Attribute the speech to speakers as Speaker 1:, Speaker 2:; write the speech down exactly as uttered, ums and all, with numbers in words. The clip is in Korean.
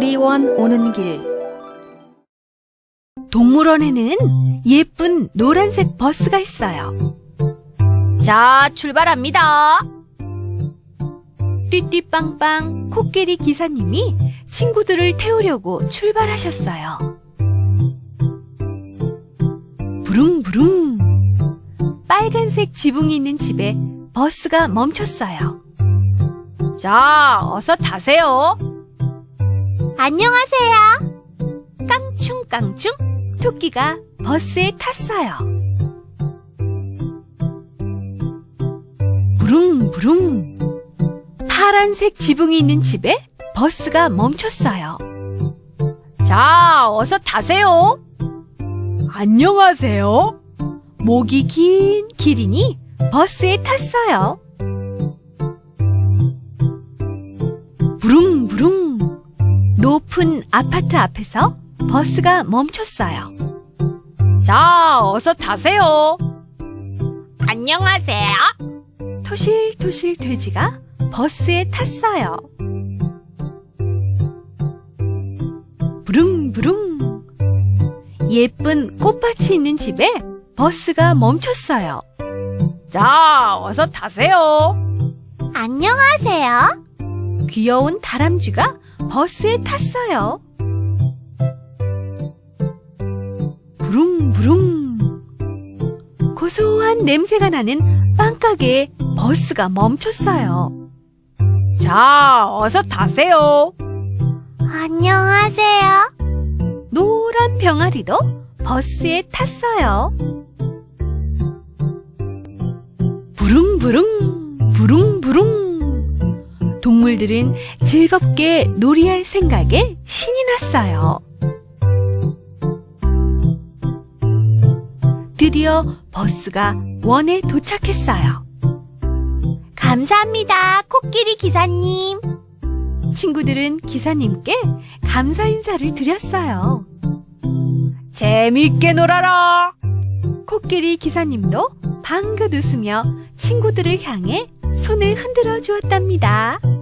Speaker 1: 놀이원 오는 길.
Speaker 2: 동물원에는 예쁜 노란색 버스가 있어요. 자, 출발합니다. 띠띠빵빵 코끼리 기사님이 친구들을 태우려고 출발하셨어요. 부릉부릉. 빨간색 지붕이 있는 집에 버스가 멈췄어요. 자, 어서 타세요. 안녕하세요. 깡충깡충 토끼가 버스에 탔어요. 부릉부릉. 파란색 지붕이 있는 집에 버스가 멈췄어요. 자, 어서 타세요. 안녕하세요. 목이 긴 기린이 버스에 탔어요. 부릉부릉. 높은 아파트 앞에서 버스가 멈췄어요. 자, 어서 타세요. 안녕하세요. 토실토실 돼지가 버스에 탔어요. 부릉부릉. 예쁜 꽃밭이 있는 집에 버스가 멈췄어요. 자, 어서 타세요. 안녕하세요. 귀여운 다람쥐가 버스에 탔어요. 부릉부릉. 고소한 냄새가 나는 빵가게에 버스가 멈췄어요. 자, 어서 타세요. 안녕하세요. 노란 병아리도 버스에 탔어요. 부릉부릉, 부릉부릉. 동물들은 즐겁게 놀이할 생각에 신이 났어요. 드디어 버스가 원에 도착했어요. 감사합니다, 코끼리 기사님. 친구들은 기사님께 감사 인사를 드렸어요. 재미있게 놀아라. 코끼리 기사님도 방긋 웃으며 친구들을 향해 손을 흔들어 주었답니다.